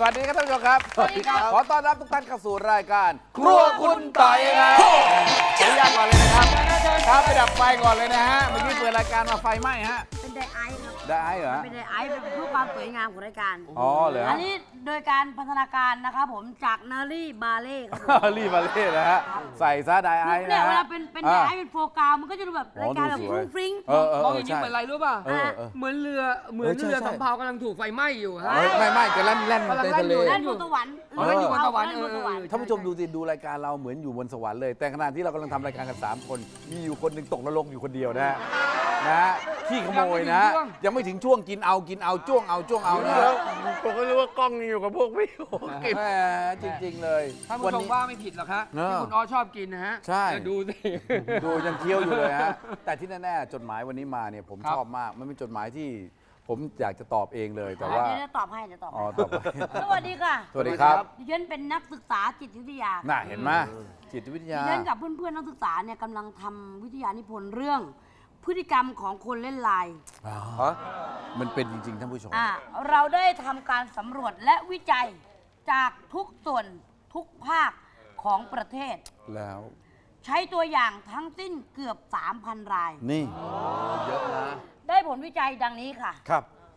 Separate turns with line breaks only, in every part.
วัสดีครับท่านผู้ชมครับ
สวัสดีครับ
ขอต้อนรับทุกท่านเข้าสู่รายการครัวคุณต่อยครับขออนุญาตก่อนเลยนะครับครับไปดับไฟก่อนเลยนะฮะเมื่อกี้เปิดรายการมาไฟไหม้ฮะ
เป็นไดไอซ์ครับ
ได้เหรอ
เป็นไดไอซ์เป็นเพื่อความสวยงามของรายการ
อ๋อเหรอ
อันนี้โดยการพัฒนาการนะครับผมจากนารีบาเล่ครับผม
รีบมาเล่นนะฮะใส่ซะไดไอซ์
เนี่
นะ
ยเว
ฮะ
ลาเป็นไดไอซ์เป็นโฟกัสมันก็จะดูแบบรายการแบบ
ดู
ฟ
สวย
รุ้งฟริ้ง
มองอย่างนี้เหมือนอะไรรู้ป่ะ
เออเออ
เหมือนเรือสำเภากำลังถูกไฟไหม้อยู่ฮะ
ไม่จะแล่นในทะเล
เล่นบนสวรรค์
เล่นอยู่บนสวรรค์
เล่นบนสวรรค์
ท่านผู้ชมดูสิดูรายการเราเหมือนอยู่บนสวรรค์เลย แต่ขณะที่เรากำลังทำรายการกัน3คนมีอยู่คนหนึ่งตกนรกอยู่คนเดียวนะฮะขี้ขโมยนะ ยังไม่ถึงช่วงกินเอาจ้วงเอานะ
ผมก็รู้ว่ากล้องอยู่กับพวกพี่โอกิน
แหมจริงๆเลย
ท่านผู้ชมว่าไม่ผิดหรอกฮะ
เออ
ที่คุณอ้อชอบกินนะฮะ
ใช่
เดี๋ยวดูสิ
ดูยังเคี้ยวอยู่เลยฮะแต่ที่แน่ๆจดหมายวันนี้มาเนี่ยผม
ครับ
ชอบมากมันเป็นจดหมายที่ผมอยากจะตอบเองเลยแต่ว่า
เดี๋ยวตอบให้เดี๋ยวตอบ
อ๋อ
ให้
ตอบไป
สวัสดีค่ะ
สวัสดีครับ
ดิฉันเป็นนักศึกษาจิตวิทยา
น่าเห็นไหมจิตวิทยา
ดิฉันกับเพื่อนๆนักศึกษาเนี่ยกำลังทำวิทยานิพนธ์เรื่อง พฤติกรรมของคนเล่นไลน์
มันเป็นจริงๆท่านผู้ชม
เราได้ทำการสำรวจและวิจัยจากทุกส่วนทุกภาคของประเทศ
แล้ว
ใช้ตัวอย่างทั้งสิ้นเกือบ 3,000 ราย
นี่
ได้ผลวิจัยดังนี้ค่ะ
ครับ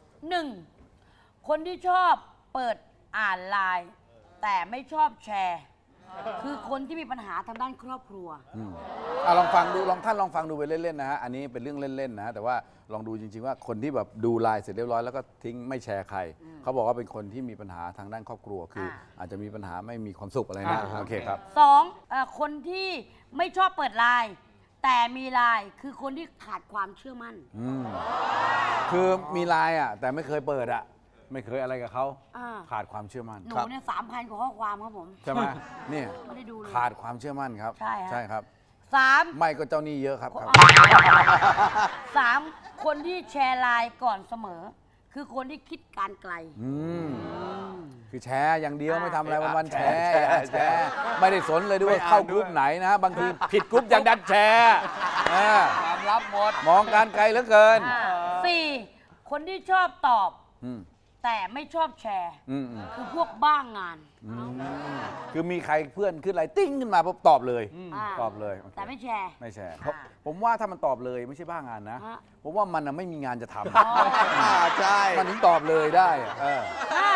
1. คนที่ชอบเปิดอ่านไลน์แต่ไม่ชอบแชร์ คือคนที่มีปัญหาทางด้านครอบครัว
ลองฟังดูท่านลองฟังดูไปเล่นๆนะฮะอันนี้เป็นเรื่องเล่นๆนะแต่ว่าลองดูจริงๆว่าคนที่แบบดูไลน์เสร็จเรียบร้อยแล้วก็ทิ้งไม่แชร์ใครเขาบอกว่าเป็นคนที่มีปัญหาทางด้านครอบครัวคืออาจจะมีปัญหาไม่มีความสุขอะไรนะโอเคครับ
2. คนที่ไม่ชอบเปิดไลน์แต่มีไลน์คือคนที่ขาดความเชื่อมั่น
คือมีไลน์อ่ะแต่ไม่เคยเปิดอ่ะไม่เคยอะไรกับเขา
อ่า
ขาดความเชื่อมั่น
หนูเนี่ย3,000 กว่าข้อความครับผม
ใช่ไหมเนี่ย
ไม่ได้ดูเลย
ขาดความเชื่อมั่นครับ
ใช่ฮะ
ใช่ครับ
3.
ไม่ก็เจ้าหนี้เยอะครับครับ
3. คนที่แชร์ไลน์ก่อนเสมอ คือคนที่คิดการไกล
คือแชร์อย่างเดียวไม่ทำอะไรวันๆแชร์
แชร์
ไม่ได้สนเลยด้วยว่าเข้ากรุ๊ปไหนนะ บางทีผิดกรุ๊ปยังดันแชร์อ่า
ความลับหมด
มองการไกลเหลือเกิน
4. คนที่ชอบตอบ
อืม
แต่ไม่ชอบแชร์
อืม
คือพวกบ้างงาน
คือมีใครเพื่อนขึ้นอะไรติ้งขึ้นมาปุ๊บตอบเลย
า
ตอบเลยโอเค
แต่ไม่แชร์
ไม่แชร์เพราะผมว่าถ้ามันตอบเลยไม่ใช่บ้างานนะ
ฮะ
ผมว่ามันน่ะไม่มีงานจะท
ใช่
ำมันถึงตอบเลยได้อะเออ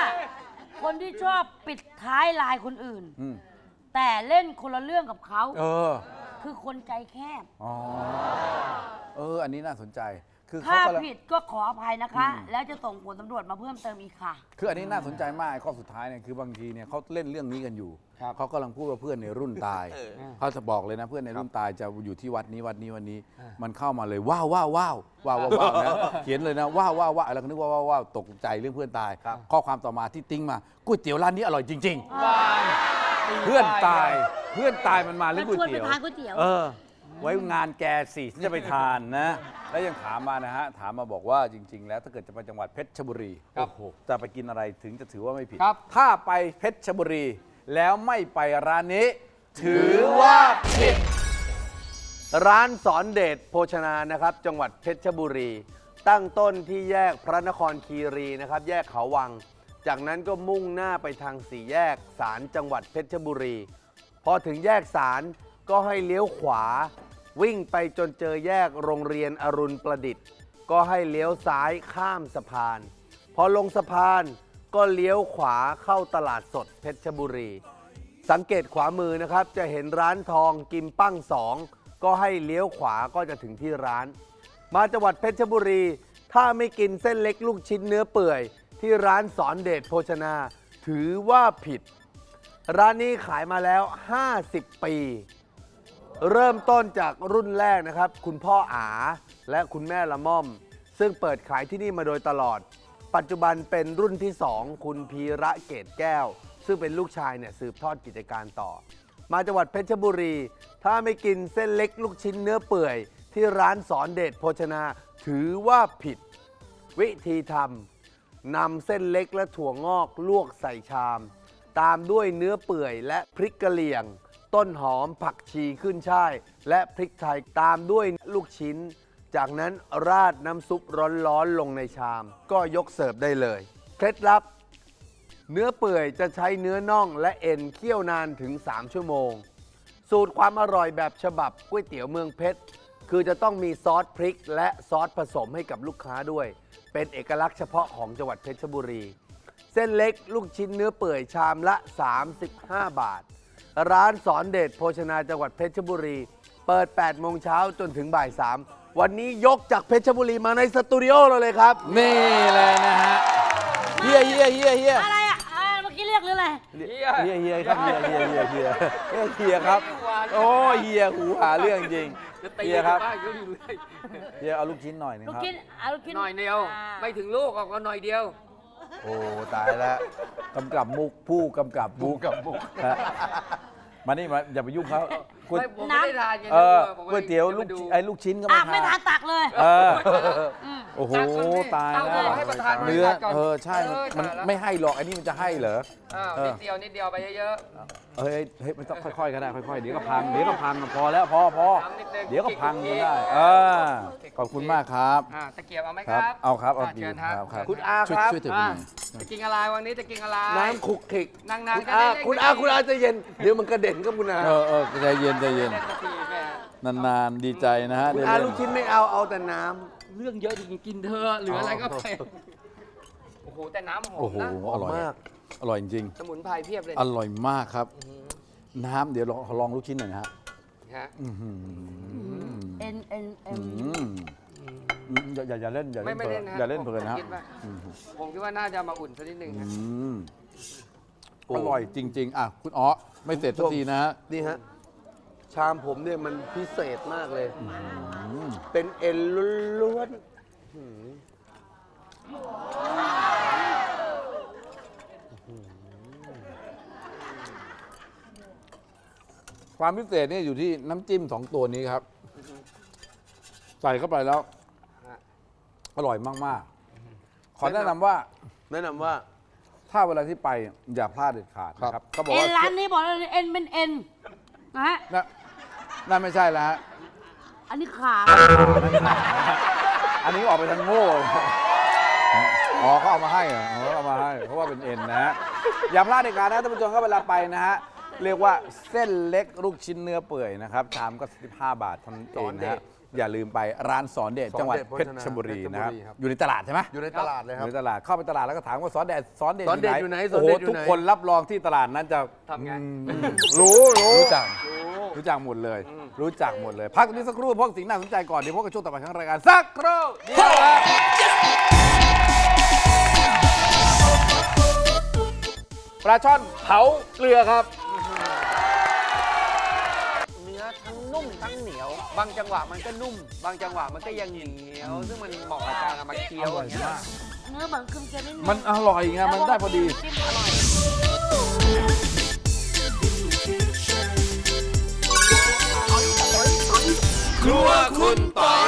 5. คนที่ชอบปิดท้ายไลน์คนอื่น
อืม
แต่เล่นคนละเรื่องกับเขา
เออ
คือคนใจแคบ
อ๋ออันนี้น่าสนใจคือ
ถ้า
เขากำลัง
ผิดก็ขออภัยนะคะ แล้วจะส่งผลตำรวจมาเพิ่มเติมอีกค่ะ
คืออันนี้น่าสนใจมากข้อสุดท้ายเนี่ยคือบางทีเนี่ยเขาเล่นเรื่องนี้กันอยู่เขากำลังพูดว่าเพื่อนในรุ่นตายเขาจะบอกเลยนะเพื่อนในรุ่นตายจะอยู่ที่วัดนี้มันเข้ามาเลยว้าวนะเขียนเลยนะว้าวแล้วก็นึกว่าตกใจเรื่องเพื่อนตายข้อความต่อมาที่ติ้งมาก๋วยเตี๋ยวร้านนี้อร่อยจริง ๆ เพื่อนตายมันมาเรื่องก๋วย
ชวนไป
เตี๋ยว
ทานก๋วยเตี๋ยว
ไว้งานแกสิฉันจะไปทานนะ แล้วยังถามมานะฮะถามมาบอกว่าจริง ๆ แล้วถ้าเกิดจะไปจังหวัดเพชรบุรี
ครับ
โอ้โหจะไปกินอะไรถึงจะถือว่าไม่ผิด
ครับ
ถ้าไปเพชรบุรี แล้วไม่ไปร้านนี้ ถือว่าผิด
ร้านสอนเดชโภชนานะครับ จังหวัดเพชรบุรี ตั้งต้นที่แยกพระนครคีรีนะครับ แยกเขาวัง จากนั้นก็มุ่งหน้าไปทางสี่แยกศาลจังหวัดเพชรบุรี พอถึงแยกศาลก็ให้เลี้ยวขวา วิ่งไปจนเจอแยกโรงเรียนอรุณประดิษฐ์ ก็ให้เลี้ยวซ้ายข้ามสะพาน พอลงสะพานก็เลี้ยวขวาเข้าตลาดสดเพชรบุรี สังเกตขวามือนะครับจะเห็นร้านทองกิมปั้งสองก็ให้เลี้ยวขวาก็จะถึงที่ร้าน มาจังหวัดเพชรบุรี ถ้าไม่กินเส้นเล็กลูกชิ้นเนื้อเปื่อย ที่ร้านสอนเดชโภชนา ถือว่าผิด ร้านนี้ขายมาแล้ว 50 ปี เริ่มต้นจากรุ่นแรกนะครับ คุณพ่ออาและคุณแม่ละม่อม ซึ่งเปิดขายที่นี่มาโดยตลอด ปัจจุบันเป็นรุ่นที่ 2 คุณพีระเกตแก้ว ซึ่งเป็นลูกชายเนี่ยสืบทอดกิจการต่อ มาจังหวัดเพชรบุรี ถ้าไม่กินเส้นเล็กลูกชิ้นเนื้อเปื่อย ที่ร้านสอนเดชโภชนา ถือว่าผิด วิธีทำนำเส้นเล็กและถั่วงอกลวกใส่ชาม ตามด้วยเนื้อเปื่อยและพริกกะเหรี่ยง ต้นหอมผักชีขึ้นช่าย และพริกไทยตามด้วยลูกชิ้น จากนั้นราดน้ำซุปร้อนๆลงในชาม ก็ยกเสิร์ฟได้เลย เคล็ดลับเนื้อเปื่อยจะใช้เนื้อน่องและเอ็นเคี่ยวนานถึง 3 ชั่วโมง สูตรความอร่อยแบบฉบับก๋วยเตี๋ยวเมืองเพชรคือจะต้องมีซอสพริกและซอสผสมให้กับลูกค้าด้วย เป็นเอกลักษณ์เฉพาะของจังหวัดเพชรบุรี เส้นเล็กลูกชิ้นเนื้อเปื่อยชามละ 35 บาท ร้านสอนเดชโภชนาจังหวัดเพชรบุรี เปิด 8 โมงเช้าจนถึงบ่าย 3 วันนี้ยกจากเพชรบุรีมาในสตูดิโอเราเลยครับ
นี่เลยนะฮะเฮีย
อะไรอ่ะเมื่อกี้เรียกหรืออะไร
เฮียครับเฮียครับ โอ้เฮียหูหาเรื่องจริงเฮียครับเฮียเอาลูกชิ้นหน่อยนึง
ลูก
ครับ
ชิ้นลูกชิ้น
หน่อยเดียว ไม่ถึงลูกออกก็หน่อยเดียว
โอ้ตายแล้วกำกับมุกผู้กำกับมุกฮะมานี่มาอย่าไปยุ่งเขาก๋วย
ไม่ผมไม่ได้ทานไง
ก๋วยเตี๋ยวลูกชิ้นก็
ไม่
ไม่
ทา
ทาน น
ตักเลย
โอ้โหตาย
เอา
แล้ว
ให้ประธาน
เนื้อ
ก่อน
ใช่มันไม่ให้หรอกอันนี้มันจะให้เหรอ
นิดเดียวไปเยอะ
เฮ้ยไม่ต้องค่อยๆก็ได้ค่อยๆเดี๋ยวก็พังพอแล้วพอเดี๋ยวก็พังจนได้ขอบคุณมากครับ
ตะเกียบเอาไหม
ค
ค
รั
รั
บบ เอาครับเอา
เชิญครับ
ครับ
คุณอาครับ
ช่วยถือไปหน่อย
จะกินอะไรวันนี้จะกินอะไร
น้ำขุกขิก
นาง
คุณอาคุณอาใจะเย็น เดี๋ยวมันกระเด็นก็คุณอา
ใจเย็น
เล่นสักทีแม่
นานๆดีใจนะฮะ
คุณ
ได้
อา
เล่น
ลูกชิ้นไม่เอาแต่น้
เรื่องเยอะจริงๆกินเธอะเหลืออะไรก็ไปโอ้โหแต่น้ำหอ
โอ้
ม
โห
นะ
อร่อย
ำมาก
อร่อยจริง
สมุนไพรเพียบเลย
อร่อยมากครับ น้ำเดี๋ยวลองลูกชิ้นหน่อยนะฮะ
ฮะ
เอ็น
อืมอย่าเล่น
ไม่เล่นนะ
อย่าเล่นเพลินนะฮะ
คิดว่าผมคิดว่าน่าจะมาอุ่นสักนิดนึง
อื
ฮะ
มอร่อยจริง ๆ อ่ะคุณอ๋อไม่เสร็จสักทีนะฮะ
นี่ฮะ ชามผมเนี่ยมันพิเศษมากเลย เป็นเอ็นล้วน
ความพิเศษเนี่ยอยู่ที่น้ำจิ้ม2 ตัวนี้ครับ ใส่เข้าไปแล้ว อร่อยมากๆ ขอแนะนำว่า
ๆแนะนำว่า
ถ้าเวลาที่ไปอย่าพลาดเด็ดขาดนะครับเขาบอก
เอ็น
ว่า
ร้านนี้บอกเลยเอ็นเป็นเอ็นนะฮะ
นั่นไม่ใช่แล้วฮะ
อันนี้ขา
อันนี้ออกไปทางโง่เลยอ๋อเขาเอามาให้เหรออ๋อเอามาให้เพราะว่าเป็นเอ็นนะฮะอย่าพลาดเด็ดขาดนะท่านผู้ชมก็เวลาไปนะฮะเรียกว่าเส้นเล็กลูกชิ้นเนื้อเปื่อยนะครับชามก็15 บาทเท่านั้นเองนะฮะอย่าลืมไปร้านสอนเดชจังหวัดเพชรบุรีนะครับอยู่ในตลาดใช่ไหม
อยู่ในตลาดเลย
อ
ครับ
ยู่ในตลาดเข้าไปตลาดแล้วก็ถามว่าสอนเดช
สอนเดชอยู่ไหน
โอ้โห
สอนเดชอยู่
ทุก
ไหน
คนรับรองที่ตลาดนั้นจะ
ทำไง
รู้จักหมดเลย รู้จักหมดเลย พักตรงนี้สักครู่พวกสิ่งน่าสนใจก่อนเดี๋ยวพวกกับช่วงต่อไปของรายการสักครู่เดียวครับปลาช่อนเผาเกลือครับ
เนื้อทั้งนุ่มทั้งเหนียว บางจังหวะมันก็นุ่ม บางจังหวะมันก็ยังเหนียว ซึ่งมันเหมาะกับการเอามาเคี้ยวอย่างเงี้ย
เนื้อเหมือนเค็มๆนิดนึง
มันอร่อยไงมันได้พอดี
จิ้มอร่อย
ครัวคุณปอย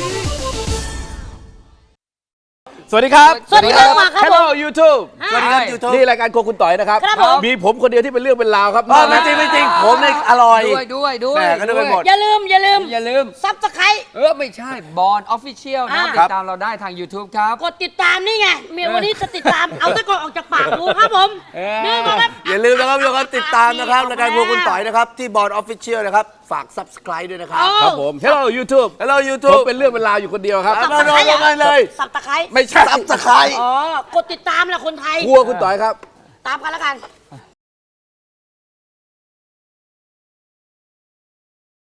สวัสดีครับ
สวัสดีครับมาครับ
Hello YouTube
สวัสดีครับ
YouTube นี่รายการโครัวคุณต่อยนะครับ
ครับผม
มีผมคนเดียวที่เป็นเรื่องเป็นราวครับ
ไม่จริงไม่จริง ผมเนี่ยอร่อย
ด้วย
แหม่ก็นึกไปหมด
อย่าลืม
อย่าลืม
ซับสไคร
ไม่ใช่บอลออฟฟิเชียลนะครับ
อ่า
ติดตามเราได้ทาง YouTube ครับ
กดติดตามนี่ไงเมียวันนี้จะติดตาม เอาตะกอนออกจากปากกูครับผม นี่มาครับ
อย่าลืมนะครับทุกคนติดตามนะครับรายการพวกคุณต่อยนะครับ ที่บอร์ดออฟฟิเชียลนะครับ ฝาก subscribe ด้วยนะครับ
ครับผม Hello YouTube
Hello
ผม
YouTube
เป็นเรื่องเป็นราวอยู่คนเดียวครับ
ครับ มาลงกันเลย
สับตะไคร้
ไม่ใช่
subscribe
อ๋อ กดติดตามแหละคนไทย
ครัวคุณต่อยครับ
ตามกันแล้วกัน